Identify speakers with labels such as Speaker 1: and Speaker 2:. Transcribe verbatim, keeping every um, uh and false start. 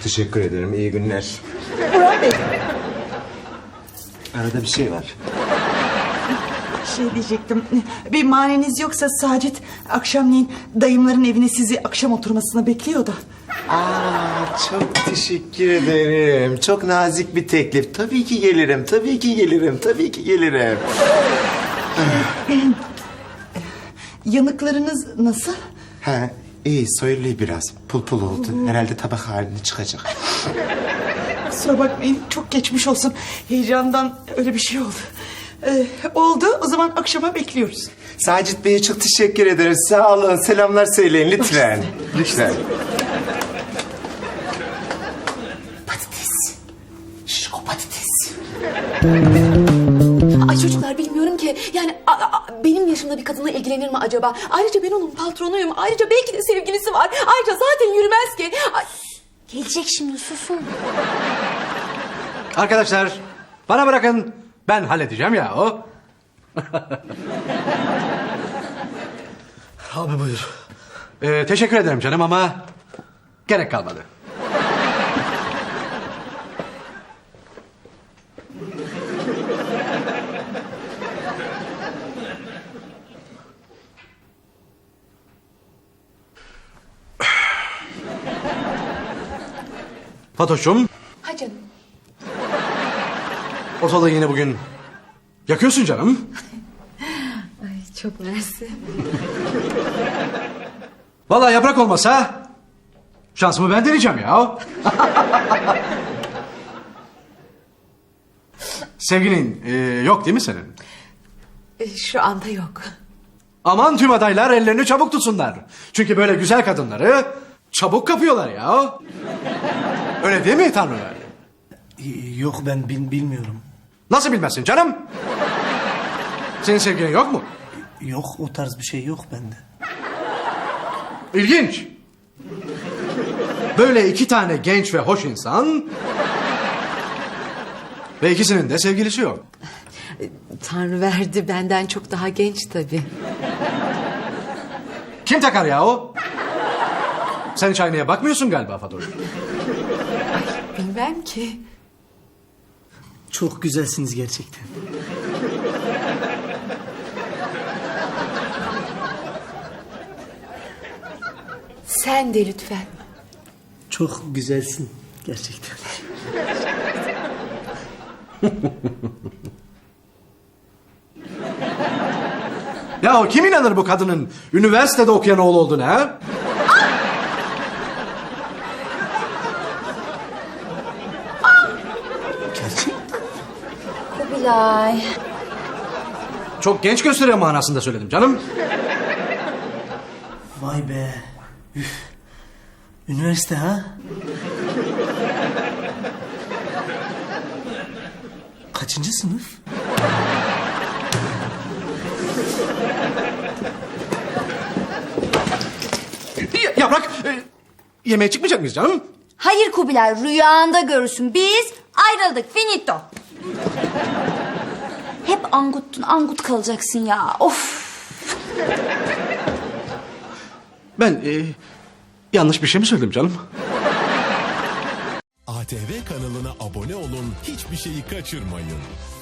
Speaker 1: teşekkür ederim. İyi günler.
Speaker 2: Burhan Bey.
Speaker 1: Arada bir şey var.
Speaker 2: Şey diyecektim. Bir maniniz yoksa Sacit akşamleyin dayımların evine sizi akşam oturmasına bekliyor da.
Speaker 1: Aa, çok teşekkür ederim. Çok nazik bir teklif. Tabii ki gelirim, tabii ki gelirim, tabii ki gelirim.
Speaker 2: Yanıklarınız nasıl?
Speaker 1: Ha, iyi, soyuluyor biraz. Pul pul oldu. Herhalde tabak haline çıkacak.
Speaker 2: Kusura bakmayın, çok geçmiş olsun. Heyecandan öyle bir şey oldu. Ee, oldu, o zaman akşama bekliyoruz.
Speaker 1: Sacit Bey'e çok teşekkür ederiz. Sağ olun, selamlar söyleyin lütfen. Lütfen.
Speaker 3: Patates. Şişko patates. Ay çocuklar bilmiyorum ki. Yani a, a, benim yaşımda bir kadınla ilgilenir mi acaba? Ayrıca ben onun patronuyum. Ayrıca belki de sevgilisi var. Ayrıca zaten yürümez ki. Ay, gelecek şimdi, susun.
Speaker 4: Arkadaşlar bana bırakın. Ben halledeceğim ya o.
Speaker 5: Abi buyur.
Speaker 4: Ee, teşekkür ederim canım ama gerek kalmadı. Fatoş'cum,
Speaker 3: Ha canım.
Speaker 4: ortalığı yine bugün yakıyorsun canım.
Speaker 3: Ay çok mersi.
Speaker 4: Vallahi yaprak olmasa şansımı ben deneyeceğim ya. Sevgilin e, yok değil mi senin?
Speaker 3: E, Şu anda yok.
Speaker 4: Aman tüm adaylar ellerini çabuk tutsunlar. Çünkü böyle güzel kadınları çabuk kapıyorlar ya. Öyle değil mi Tanrıver?
Speaker 5: Yok ben bil, bilmiyorum.
Speaker 4: Nasıl bilmezsin canım? Senin sevgilin yok mu?
Speaker 5: Yok o tarz bir şey yok bende.
Speaker 4: İlginç. Böyle iki tane genç ve hoş insan... ve ikisinin de sevgilisi yok.
Speaker 3: Tanrı verdi, benden çok daha genç tabii.
Speaker 4: Kim takar ya o? Sen hiç aynaya bakmıyorsun galiba Fatoş.
Speaker 3: Bilmem ki.
Speaker 5: Çok güzelsiniz gerçekten.
Speaker 3: Sen de lütfen.
Speaker 5: Çok güzelsin gerçekten.
Speaker 4: Ya kim inanır bu kadının üniversitede okuyan oğlu olduğuna ha?
Speaker 5: Gerçek.
Speaker 3: Kubilay.
Speaker 4: Çok genç gösteriyor manasında söyledim canım.
Speaker 5: Vay be. Üf. Üniversite ha? Kaçıncı sınıf?
Speaker 4: Ya- Yaprak, e, yemeğe çıkmayacak mıyız canım?
Speaker 6: Hayır Kubilay, rüyanda görürsün. Biz ayrıldık, finito. Hep anguttun, angut kalacaksın ya. Of.
Speaker 4: Ben e, yanlış bir şey mi söyledim canım?
Speaker 7: A T V kanalına abone olun, hiçbir şeyi kaçırmayın.